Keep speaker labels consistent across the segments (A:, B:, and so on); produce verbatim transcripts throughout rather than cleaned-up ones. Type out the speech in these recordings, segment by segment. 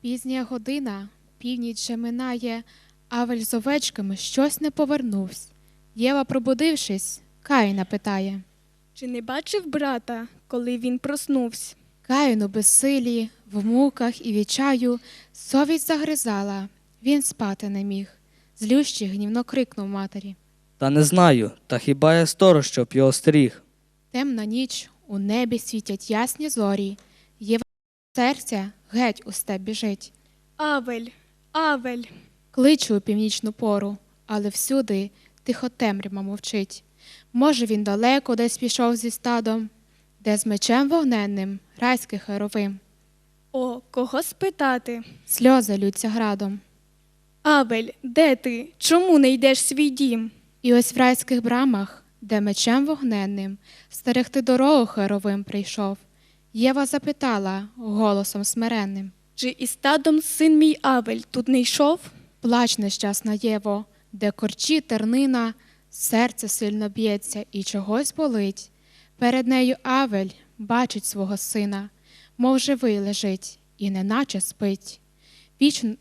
A: Пізня година, північ же минає, Авель з овечками щось не повернувсь. Єва, пробудившись, Каїна питає.
B: Чи не бачив брата, коли він проснувся?
A: Каїн у безсилі, в муках і відчаю совість загризала, він спати не міг. Злющий гнівно крикнув матері.
C: Та не знаю, та хіба я сторож, щоб його стеріг?
A: Темна ніч, у небі світять ясні зорі. Єва серця геть у степ біжить.
B: Авель, Авель.
A: Кличу у північну пору, але всюди тихо темрява мовчить. Може, він далеко десь пішов зі стадом, де з мечем вогненним райський херовим.
B: О, кого спитати?
A: Сльози лються градом.
B: Авель, де ти? Чому не йдеш в свій дім?
A: І ось в райських брамах, де мечем вогненним стерегти дорогу херовим прийшов, Єва запитала голосом смиренним.
B: Чи із стадом син мій Авель тут не йшов?
A: Плач, нещасна Єво, де корчі тернина, серце сильно б'ється і чогось болить. Перед нею Авель бачить свого сина, мов живий лежить і неначе спить. Вічно...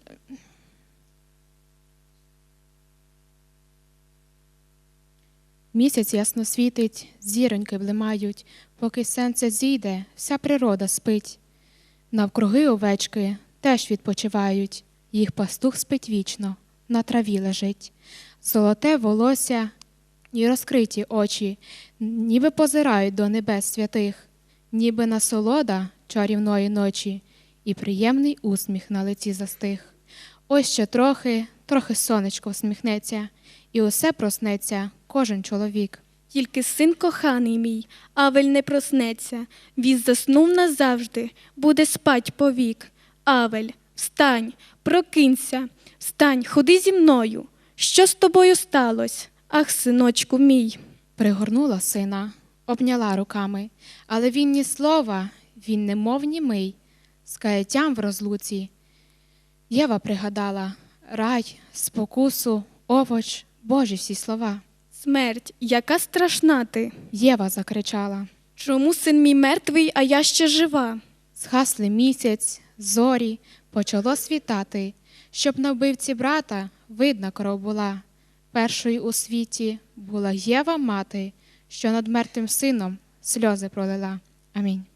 A: Місяць ясно світить, зіроньки блимають, поки сонце зійде, вся природа спить. Навкруги овечки теж відпочивають, їх пастух спить вічно, на траві лежить. Золоте волосся і розкриті очі, ніби позирають до небес святих, ніби насолода чарівної ночі і приємний усміх на лиці застиг. Ось ще трохи, трохи сонечко всміхнеться, і усе проснеться кожен чоловік.
B: Тільки син коханий мій, Авель не проснеться. Він заснув назавжди, буде спать повік. Авель, встань, прокинься, встань, ходи зі мною. Що з тобою сталося? Ах, синочку мій.
A: Пригорнула сина, обняла руками, але він ні слова, він немов німий, з каяттям в розлуці. Єва пригадала рай, спокусу, овоч, Божі всі слова.
B: Смерть, яка страшна ти.
A: Єва закричала.
B: Чому син мій мертвий, а я ще жива?
A: Згасли місяць, зорі, почало світати, щоб на вбивці брата видна кров була. Першою у світі була Єва мати, що над мертвим сином сльози пролила. Амінь.